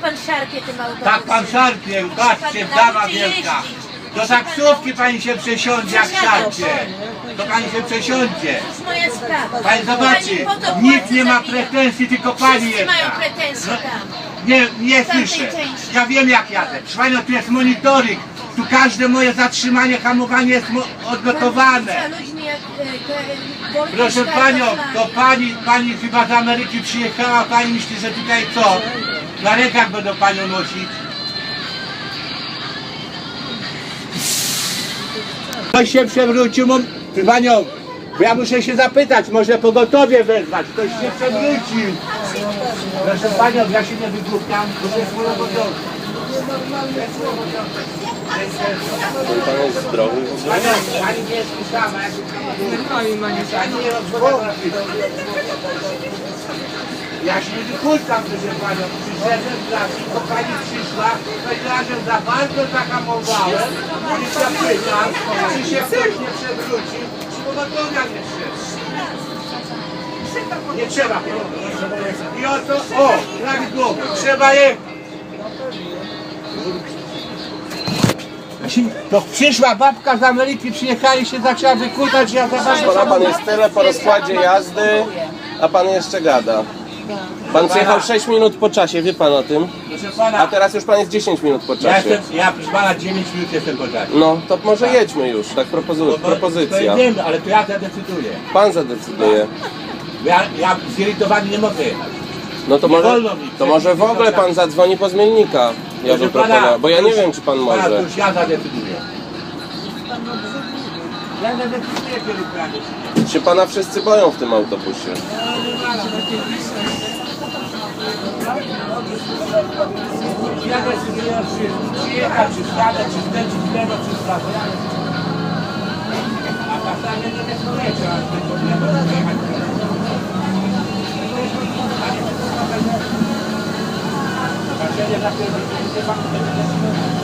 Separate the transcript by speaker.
Speaker 1: pan szarpie tym autobusem.
Speaker 2: Tak pan szarpie, patrzcie, dama wielka. Do taksówki pani się przesiądzie jak szarpie. To pani się przesiądzie.
Speaker 1: To jest moja sprawa.
Speaker 2: Pani zobaczy,
Speaker 1: Pani po to
Speaker 2: nikt
Speaker 1: płaci
Speaker 2: nie
Speaker 1: za
Speaker 2: ma
Speaker 1: bilet.
Speaker 2: pretensji, tylko pani
Speaker 1: Wszyscy
Speaker 2: jest.
Speaker 1: mają pretensje tam.
Speaker 2: Nie
Speaker 1: tamtej
Speaker 2: słyszę.
Speaker 1: części.
Speaker 2: Ja wiem jak jadę. Proszę panią, tu jest monitoring. Tu każde moje zatrzymanie, hamowanie jest odnotowane.
Speaker 1: Za ludźmi jak Wojtek
Speaker 2: Proszę
Speaker 1: Szkarka
Speaker 2: panią,
Speaker 1: zna.
Speaker 2: to pani chyba z Ameryki przyjechała, pani myśli, że tutaj co? Na rękach będą panią nosić. Ktoś się przewrócił, proszę panią, bo ja muszę się zapytać, może pogotowie wezwać, ktoś się przewrócił. Proszę panią, ja się nie wygłupiam, bo to jest mój obowiązek.
Speaker 3: Pan jest zdrowy w ogóle?
Speaker 2: Pani nie jest sama, pani nie rozmawiała. Ja się nie wykultam, proszę panią. Przyszedłem z lasu, bo pani przyszła, powiedziała, że za bardzo zahamowałem. Policja pyta, czy się ktoś nie przewrócił, czy pogotowia nie szedł. Nie trzeba. I oto, prawidłowo, trzeba jechać. To przyszła babka z Ameryki, przyjechali się, zaczęła wykultać, ja za bardzo...
Speaker 3: Pana pan jest tyle po rozkładzie jazdy, a pan jeszcze gada. Pan przyjechał 6 minut po czasie, wie pan o tym?
Speaker 2: Proszę
Speaker 3: A
Speaker 2: pana,
Speaker 3: teraz już pan jest 10 minut po
Speaker 2: ja
Speaker 3: czasie.
Speaker 2: proszę pana 9 minut jestem po czasie.
Speaker 3: No, to może jedźmy już, tak propozycja.
Speaker 2: To wiem, ale to ja zadecyduję.
Speaker 3: Pan zadecyduje.
Speaker 2: Ja zirytowany nie mogę jechać.
Speaker 3: No to
Speaker 2: Nie
Speaker 3: może,
Speaker 2: wolno mi.
Speaker 3: to może w ogóle pan zadzwoni po zmiennika. Ja bym proponował, bo ja nie wiem, czy pan
Speaker 2: To
Speaker 3: może.
Speaker 2: już ja zadecyduję. Ja zadecyduję, kiedy prawie.
Speaker 3: Się pana wszyscy boją w tym autobusie.
Speaker 2: Ja decyduję, czy przyjechać, czy wsiadać, czy skręcić w lewo, czy w prawo. A czasami nie decydujecie, ale tylko w lewo, czy jechać w lewo. Patrzenie na pierwszy, nie pan